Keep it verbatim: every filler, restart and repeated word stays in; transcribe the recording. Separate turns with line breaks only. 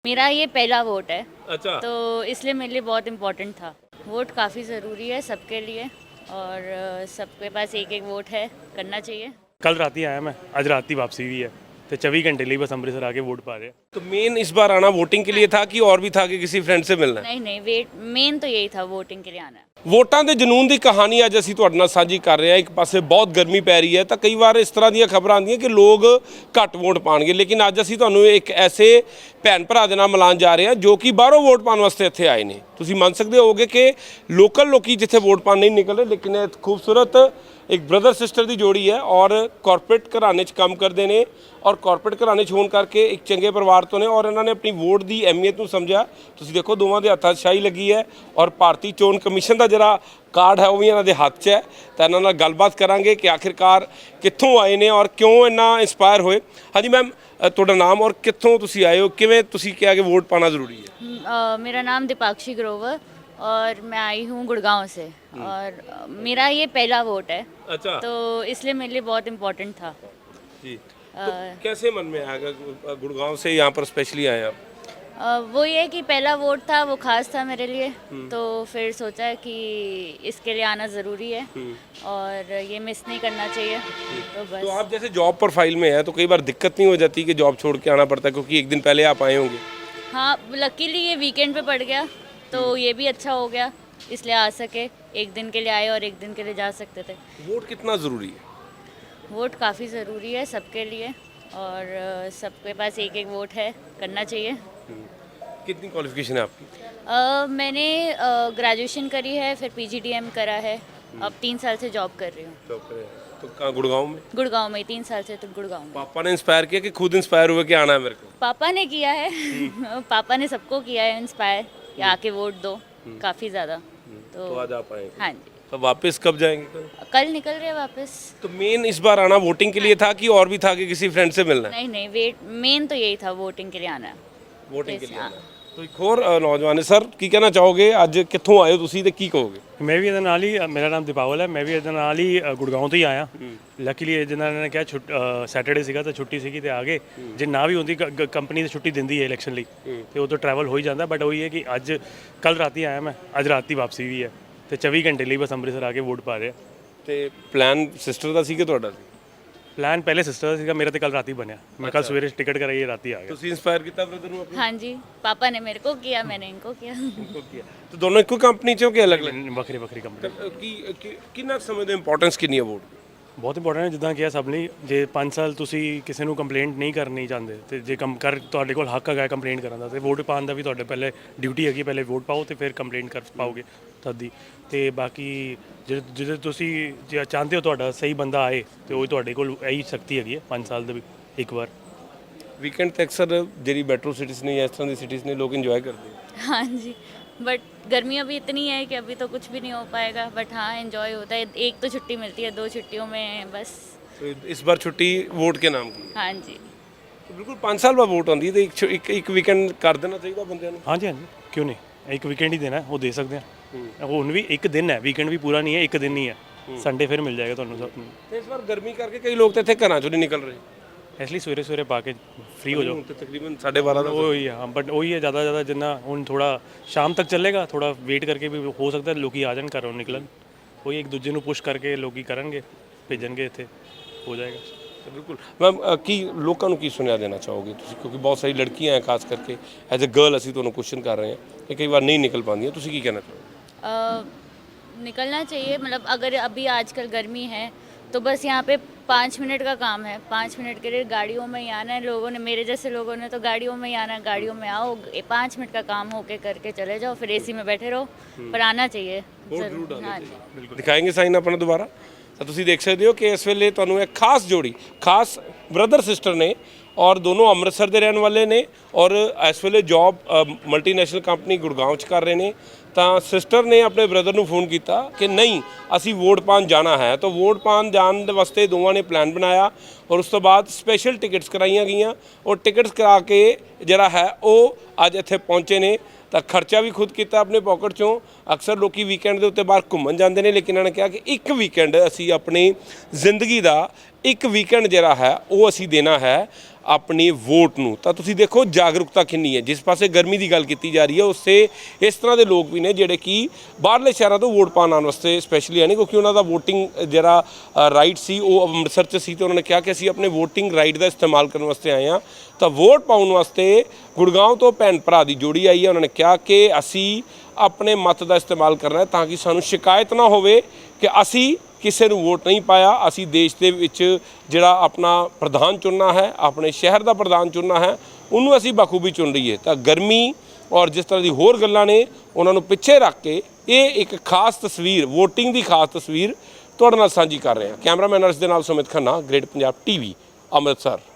मेरा ये पहला वोट है।
अच्छा।
तो इसलिए मेरे लिए बहुत इम्पोर्टेंट था। वोट काफ़ी ज़रूरी है सबके लिए और अ, सबके पास एक एक वोट है, करना चाहिए।
कल रात ही आया मैं, आज रात ही वापसी हुई है तो चौबीस घंटे लिए बस अमृतसर आके वोट पा रहे हैं।
तो मेन इस बार आना वोटिंग के लिए था कि और भी था कि किसी फ्रेंड से मिलना है?
नहीं नहीं वेट मेन तो यही था, वोटिंग के लिए आना है।
ਵੋਟਾਂ ਦੇ ਜਨੂਨ ਦੀ ਕਹਾਣੀ ਅੱਜ ਅਸੀਂ ਤੁਹਾਡੇ ਨਾਲ ਸਾਂਝੀ ਕਰ ਰਹੇ ਹਾਂ। ਇੱਕ ਪਾਸੇ ਬਹੁਤ ਗਰਮੀ ਪੈ ਰਹੀ ਹੈ ਤਾਂ ਕਈ ਵਾਰ ਇਸ ਤਰ੍ਹਾਂ ਦੀਆਂ ਖਬਰਾਂ ਆਉਂਦੀਆਂ ਕਿ ਲੋਕ ਘੱਟ ਵੋਟ ਪਾਣਗੇ, ਲੇਕਿਨ ਅੱਜ ਅਸੀਂ ਤੁਹਾਨੂੰ ਇੱਕ ਐਸੇ ਭੈਣ ਭਰਾ ਦੇ ਨਾਲ ਮਿਲਾਉਣ ਜਾ ਰਹੇ ਹਾਂ ਜੋ ਕਿ ਬਾਹਰੋਂ ਵੋਟ ਪਾਉਣ ਵਾਸਤੇ ਇੱਥੇ ਆਏ ਨੇ। ਤੁਸੀਂ ਮੰਨ ਸਕਦੇ ਹੋਗੇ ਕਿ ਲੋਕਲ ਲੋਕੀ ਜਿੱਥੇ ਵੋਟ ਪਾਣ ਨਹੀਂ ਨਿਕਲ ਰਹੇ, ਲੇਕਿਨ ਇਹ ਖੂਬਸੂਰਤ एक ब्रदर सिस्टर की जोड़ी है और कॉरपोरेट घराने काम करते हैं और कॉरपोरेट घराने होने करके एक चंगे परिवार तो ने और इन्होंने अपनी वोट की अहमियत को समझा। तुसीं देखो दोवां दे हत्थां 'ਚ शाही लगी है और भारतीय चोन कमीशन का जिहड़ा कार्ड है वह भी इन्हां दे हत्थ 'ਚ है। तो इन्हां नाल गलबात करांगे कि आखिरकार कित्थों आए ने और क्यों इन्ना इंस्पायर होए। हाँ जी मैम, तुहाडा नाम और कित्थों तुसीं आए हो, किवें तुसीं कहा कि वोट पाना जरूरी है?
अ, मेरा नाम दीपाक्षी ग्रोवर और मैं आई हूँ गुड़गांव से और अ, मेरा ये पहला वोट है।
अच्छा।
तो इसलिए मेरे लिए बहुत इम्पोर्टेंट था।
जी। तो कैसे मन में आया गुड़गांव से यहाँ पर स्पेशली आए आप?
अ, वो ये कि पहला वोट था, वो खास था मेरे लिए। तो फिर सोचा कि इसके लिए आना ज़रूरी है और ये मिस नहीं करना चाहिए। तो बस।
तो आप जैसे जॉब प्रोफाइल में है तो कई बार दिक्कत नहीं हो जाती कि जॉब छोड़ के आना पड़ता है, क्योंकि एक दिन पहले आप आए होंगे?
हाँ, लकीली ये वीकेंड पे पड़ गया तो ये भी अच्छा हो गया, इसलिए आ सके। एक दिन के लिए आए और एक दिन के लिए जा सकते थे।
वोट कितना ज़रूरी है?
वोट काफ़ी ज़रूरी है सबके लिए और अ, सबके पास एक एक वोट है, करना चाहिए।
कितनी क्वालिफिकेशन है आपकी?
अ, मैंने ग्रेजुएशन करी है, फिर पीजीडीएम करा है। अब तीन साल से जॉब कर रही हूँ
जॉब करे हैं। तो कहाँ गुड़गांव में?
गुड़गांव में। तीन साल से तो गुड़गांव में।
पापा ने इंस्पायर किया कि खुद इंस्पायर हुए कि आना है मेरे को?
पापा ने किया है पापा ने सबको किया है इंस्पायर कि आके वोट दो, काफ़ी ज़्यादा।
तो
तो
आज आप आएंगे?
हाँ जी,
तो वापस कब जाएंगे कल?
कल निकल रहे हैं वापस।
तो मेन इस बार आना वोटिंग के लिए था कि और भी था कि किसी फ्रेंड से मिलना है?
नहीं नहीं वेट मेन तो यही था, वोटिंग के लिए आना है।
वोटिंग के लिए
हाँ।
आना है। तो एक और अ, नौजवान है सर, की कहना चाहोगे ਅੱਜ ਕਿੱਥੋਂ ਆਏ ਹੋ ਤੁਸੀਂ ਤੇ ਕੀ ਕਹੋਗੇ?
मैं भी ਇਹਦੇ ਨਾਲ ਹੀ, ਮੇਰਾ ਨਾਮ ਦੀਪਾਵਲ ਹੈ, ਮੈਂ ਵੀ ਇਹਦੇ ਨਾਲ ਹੀ ਅ, ਗੁੜਗਾਉਂ ਤੋਂ ਹੀ ਆਇਆ। ਲੱਕੀਲੀ ਜਿਨ੍ਹਾਂ ਨੇ ਕਿਹਾ ਛੁੱਟ ਸੈਟਰਡੇ ਸੀਗਾ ਤਾਂ ਛੁੱਟੀ ਸੀਗੀ ਤੇ ਆ ਗਏ। ਜੇ ਨਾ ਵੀ ਹੁੰਦੀ ਕੰਪਨੀ ਤੇ ਛੁੱਟੀ ਦਿੰਦੀ ਹੈ ਇਲੈਕਸ਼ਨ ਲਈ ਤੇ ਉਹ ਤੋਂ ਟਰੈਵਲ ਹੋ ਹੀ ਜਾਂਦਾ, ਬਟ ਉਹੀ ਹੈ ਕਿ ਅੱਜ ਕੱਲ ਰਾਤੀ ਆਇਆ ਮੈਂ, ਅੱਜ ਰਾਤੀ ਵਾਪਸੀ ਵੀ ਹੈ ਤੇ ਚੌਬੀ ਘੰਟੇ ਲਈ ਬਸ ਅੰਮ੍ਰਿਤਸਰ ਆ ਕੇ ਵੋਟ ਪਾ ਰਹੇ।
ਤੇ ਪਲਾਨ ਸਿਸਟਰ ਦਾ ਸੀ ਕਿ ਤੁਹਾਡਾ ਸੀ?
ਪਲਾਨ ਪਹਿਲੇ ਸਿਸਟਰ ਦਾ ਸੀਗਾ, ਮੇਰਾ ਤੇ ਕੱਲ ਰਾਤੀ ਬਣਿਆ। ਮੈਂ ਕੱਲ ਸਵੇਰੇ ਟਿਕਟ ਕਰਾਈ, ਰਾਤੀ ਆ ਗਿਆ।
ਤੁਸੀਂ ਇੰਸਪਾयर ਕੀਤਾ ਬ੍ਰਦਰ ਨੂੰ ਆਪਣੇ?
हाँ जी, पापा ने मेरे को किया, मैंने इनको किया।
को किया तो दोनों ਇੱਕੋ ਕੰਪਨੀ ਚੋਂ ਕਿ ਅਲੱਗ-ਅਲੱਗ?
ਵੱਖਰੀ ਵੱਖਰੀ ਕੰਪਨੀ।
ਕੀ ਕੀ- ਕਿੰਨਾ ਸਮੇਂ ਦੇ ਇੰਪੋਰਟੈਂਸ ਕਿੰਨੀ ਹੈ ਵੋਟ?
ਬਹੁਤ ਇੰਪੋਰਟੈਂਟ ਹੈ, ਜਿੱਦਾਂ ਕਿਹਾ ਸਭ ਲਈ। ਜੇ ਪੰਜ ਸਾਲ ਤੁਸੀਂ ਕਿਸੇ ਨੂੰ ਕੰਪਲੇਂਟ ਨਹੀਂ ਕਰਨੀ ਚਾਹੁੰਦੇ ਤੇ ਜੇ ਕੰਮ ਕਰ ਤੁਹਾਡੇ ਕੋਲ ਹੱਕ ਹੈਗਾ ਕੰਪਲੇਂਟ ਕਰਨ ਦਾ ਤੇ ਵੋਟ ਪਾਉਣ ਦਾ ਵੀ ਤੁਹਾਡੇ ਪਹਿਲੇ ਡਿਊਟੀ ਹੈਗੀ, ਪਹਿਲੇ ਵੋਟ ਪਾਓ ਤੇ ਫਿਰ ਕੰਪਲੇਂਟ ਕਰ ਪਾਓਗੇ ਤਦ ਦੀ। ਤੇ ਬਾਕੀ ਜੇ ਜਿਹੜੇ ਤੁਸੀਂ ਜੇ ਚਾਹੁੰਦੇ ਹੋ ਤੁਹਾਡਾ ਸਹੀ ਬੰਦਾ ਆਏ ਤੇ ਉਹ ਤੁਹਾਡੇ ਕੋਲ ਇਹੀ ਸ਼ਕਤੀ ਹੈਗੀ ਹੈ ਪੰਜ ਸਾਲ ਦੇ ਵੀ ਇੱਕ ਵਾਰ।
ਵੀਕਐਂਡ ਤੇ ਅਕਸਰ ਜਿਹੜੀ ਮੈਟਰੋ ਸਿਟੀਜ਼ ਨੇ ਜਾਂ ਇਸ ਤਰ੍ਹਾਂ ਦੀ ਸਿਟੀਜ਼ ਨੇ ਲੋਕ ਇੰਜੋਏ ਕਰਦੇ हैं।
हाँ जी, बट गर्मी अभी इतनी है कि अभी तो कुछ भी नहीं हो पाएगा। बट हाँ, एंजॉय होता है। एक तो छुट्टी मिलती है, दो छुट्टियों में बस।
तो इस बार छुट्टी वोट के नाम की?
हाँ जी।
तो बिल्कुल पाँच साल बाद वोट आती है तो एक छुट्टी- एक एक ਵੀਕਐਂਡ ਕਰ ਦੇਣਾ ਚਾਹੀਦਾ ਬੰਦਿਆਂ ਨੂੰ।
ਹਾਂਜੀ ਹਾਂਜੀ, ਕਿਉਂ ਨਹੀਂ, ਇੱਕ ਵੀਕਐਂਡ ਹੀ ਦੇਣਾ ਹੈ, ਉਹ ਦੇ ਸਕਦੇ ਆ। ਹੁਣ ਵੀ ਇੱਕ ਦਿਨ ਹੈ, ਵੀਕਐਂਡ ਵੀ ਪੂਰਾ ਨਹੀਂ ਹੈ, ਇੱਕ ਦਿਨ ਹੀ ਹੈ। ਸੰਡੇ ਫਿਰ ਮਿਲ ਜਾਏਗਾ ਤੁਹਾਨੂੰ ਸਭ ਨੂੰ।
ਤੇ ਇਸ ਵਾਰ ਗਰਮੀ ਕਰਕੇ ਕਈ ਲੋਕ ਤਾਂ ਇੱਥੇ ਘਰਾਂ ਚੋਂ ਨਹੀਂ ਨਿਕਲ ਰਹੇ।
ਇਸ ਲਈ ਸਵੇਰੇ ਸਵੇਰੇ ਪਾ ਕੇ ਫ੍ਰੀ ਹੋ ਜਾਓ।
ਹੁਣ ਤੇ ਤਕਰੀਬਨ ਸਾਢੇ ਬਾਰਾਂ ਦਾ
ਉਹੀ ਹੈ, ਹਾਂ, ਬਟ ਉਹੀ ਹੈ ਜ਼ਿਆਦਾ ਜ਼ਿਆਦਾ ਜਿੰਨਾ ਹੁਣ ਥੋੜਾ ਸ਼ਾਮ ਤੱਕ ਚੱਲੇਗਾ, ਥੋੜਾ ਵੇਟ ਕਰਕੇ ਵੀ ਹੋ ਸਕਦਾ ਲੋਕੀ ਆ ਜਾਣ ਘਰੋਂ ਨਿਕਲਣ। ਉਹੀ ਇੱਕ ਦੂਜੇ ਨੂੰ ਪੁਸ਼ ਕਰਕੇ ਲੋਕੀ ਕਰਨਗੇ, ਭੇਜਣਗੇ, ਇੱਥੇ ਹੋ ਜਾਏਗਾ।
ਤਾਂ ਬਿਲਕੁਲ ਮੈਮ, ਕੀ ਲੋਕਾਂ ਨੂੰ ਕੀ ਸੁਨੇਹਾ ਦੇਣਾ ਚਾਹੋਗੇ ਤੁਸੀਂ, ਕਿਉਂਕਿ ਬਹੁਤ ਸਾਰੀ ਲੜਕੀਆਂ ਹੈ ਖਾਸ ਕਰਕੇ ਐਜ਼ ਅ ਗਰਲ ਅਸੀਂ ਤੁਹਾਨੂੰ ਕੁਐਸਚਨ ਕਰ ਰਹੇ ਹਾਂ ਕਿ ਕਈ ਵਾਰ ਨਹੀਂ ਨਿਕਲ ਪਾਉਂਦੀਆਂ, ਤੁਸੀਂ ਕੀ ਕਹਿਣਾ ਚਾਹੋਗੇ?
अ, निकलना चाहिए। मतलब अगर अभी आजकल गर्मी है तो बस यहाँ पे पाँच मिनट का काम है। पाँच मिनट के लिए गाड़ियों में ही आना है। लोगों ने, मेरे जैसे लोगों ने तो गाड़ियों में ही आना है। गाड़ियों में आओ, ए- पाँच मिनट का काम होके करके चले जाओ, फिर एसी में बैठे रहो, पर आना चाहिए जरूर। हाँ जी।
ਦਿਖਾएंगे ਸਾਈਨ ਆਪਣਾ ਦੁਬਾਰਾ। ਤਾਂ ਤੁਸੀਂ ਦੇਖ ਸਕਦੇ ਹੋ ਕਿ ਇਸ ਵੇਲੇ ਤੁਹਾਨੂੰ ਇੱਕ ਖਾਸ ਜੋੜੀ, ਖਾਸ ਬ੍ਰਦਰ ਸਿਸਟਰ ਨੇ ਔਰ ਦੋਨੋਂ ਅੰਮ੍ਰਿਤਸਰ ਦੇ ਰਹਿਣ ਵਾਲੇ ਨੇ ਔਰ ਇਸ ਵੇਲੇ ਜੌਬ ਮਲਟੀਨੈਸ਼ਨਲ ਕੰਪਨੀ ਗੁੜਗਾਉਂ 'ਚ ਕਰ ਰਹੇ ਨੇ। ਤਾਂ ਸਿਸਟਰ ਨੇ ਆਪਣੇ ਬ੍ਰਦਰ ਨੂੰ ਫੋਨ ਕੀਤਾ ਕਿ ਨਹੀਂ ਅਸੀਂ ਵੋਟ ਪਾਉਣ ਜਾਣਾ ਹੈ। ਤਾਂ ਵੋਟ ਪਾਉਣ ਜਾਣ ਦੇ ਵਾਸਤੇ ਦੋਵਾਂ ਨੇ ਪਲਾਨ ਬਣਾਇਆ ਔਰ ਉਸ ਤੋਂ ਬਾਅਦ ਸਪੈਸ਼ਲ ਟਿਕਟਸ ਕਰਾਈਆਂ ਗਈਆਂ ਔਰ ਟਿਕਟਸ ਕਰਾ ਕੇ ਜਿਹੜਾ ਹੈ ਉਹ ਅੱਜ ਇੱਥੇ ਪਹੁੰਚੇ ਨੇ। ਤਾਂ ਖਰਚਾ ਵੀ ਖੁਦ ਕੀਤਾ ਆਪਣੇ ਪੋਕਟ ਚੋਂ। ਅਕਸਰ ਲੋਕੀ ਵੀਕਐਂਡ ਦੇ ਉੱਤੇ ਬਾਹਰ ਘੁੰਮਣ ਜਾਂਦੇ ਨੇ, ਲੇਕਿਨ ਇਹਨਾਂ ਨੇ ਕਿਹਾ ਕਿ ਇੱਕ ਵੀਕਐਂਡ ਅਸੀਂ ਆਪਣੀ ਜ਼ਿੰਦਗੀ ਦਾ ਇੱਕ ਵੀਕਐਂਡ ਜਿਹੜਾ ਹੈ ਉਹ ਅਸੀਂ ਦੇਣਾ ਹੈ ਆਪਣੀ ਵੋਟ ਨੂੰ। ਤਾਂ ਤੁਸੀਂ ਦੇਖੋ ਜਾਗਰੂਕਤਾ ਕਿੰਨੀ ਹੈ। ਜਿਸ ਪਾਸੇ ਗਰਮੀ ਦੀ ਗੱਲ ਕੀਤੀ ਜਾ ਰਹੀ ਹੈ ਉਸੇ ਇਸ ਤਰ੍ਹਾਂ ਦੇ ਲੋਕ ਵੀ ਨੇ ਜਿਹੜੇ ਕਿ ਬਾਹਰਲੇ ਸ਼ਹਿਰਾਂ ਤੋਂ ਵੋਟ ਪਾਉਣ ਆਉਣ ਵਾਸਤੇ ਸਪੈਸ਼ਲੀ ਆਏ, ਕਿਉਂਕਿ ਉਹਨਾਂ ਦਾ ਵੋਟਿੰਗ ਜਿਹੜਾ ਰਾਈਟ ਸੀ ਉਹ ਅੰਮ੍ਰਿਤਸਰ 'ਚ ਸੀ, ਤੇ ਉਹਨਾਂ ਨੇ ਕਿਹਾ ਕਿ ਅਸੀਂ ਆਪਣੇ ਵੋਟਿੰਗ ਰਾਈਟ ਦਾ ਇਸਤੇਮਾਲ ਕਰਨ ਵਾਸਤੇ ਆਏ ਹਾਂ। ਤਾਂ ਵੋਟ ਪਾਉਣ ਵਾਸਤੇ ਗੁੜਗਾਉਂ ਤੋਂ ਭੈਣ ਭਰਾ ਦੀ ਜੋੜੀ ਆਈ ਹੈ। ਉਹਨਾਂ ਨੇ ਕਿਹਾ ਕਿ ਅਸੀਂ ਆਪਣੇ ਮਤ ਦਾ ਇਸਤੇਮਾਲ ਕਰਨਾ ਹੈ ਤਾਂ ਕਿ ਸਾਨੂੰ ਸ਼ਿਕਾਇਤ ਨਾ ਹੋਵੇ ਕਿ ਅਸੀਂ ਕਿਸੇ ਨੂੰ ਵੋਟ ਨਹੀਂ ਪਾਇਆ। ਅਸੀਂ ਦੇਸ਼ ਦੇ ਵਿੱਚ ਜਿਹੜਾ ਆਪਣਾ ਪ੍ਰਧਾਨ ਚੁਣਨਾ ਹੈ, ਆਪਣੇ ਸ਼ਹਿਰ ਦਾ ਪ੍ਰਧਾਨ ਚੁਣਨਾ ਹੈ, ਉਹਨੂੰ ਅਸੀਂ ਬਖੂਬੀ ਚੁਣ ਲਈਏ। ਤਾਂ ਗਰਮੀ ਔਰ ਜਿਸ ਤਰ੍ਹਾਂ ਦੀ ਹੋਰ ਗੱਲਾਂ ਨੇ ਉਹਨਾਂ ਨੂੰ ਪਿੱਛੇ ਰੱਖ ਕੇ ਇਹ ਇੱਕ ਖਾਸ ਤਸਵੀਰ, ਵੋਟਿੰਗ ਦੀ ਖਾਸ ਤਸਵੀਰ ਤੁਹਾਡੇ ਨਾਲ ਸਾਂਝੀ ਕਰ ਰਹੇ ਹਾਂ। ਕੈਮਰਾਮੈਨ ਅਰਸ਼ ਦੇ ਨਾਲ ਸੁਮਿਤ ਖੰਨਾ, ਗ੍ਰੇਟ ਪੰਜਾਬ ਟੀਵੀ, ਅੰਮ੍ਰਿਤਸਰ।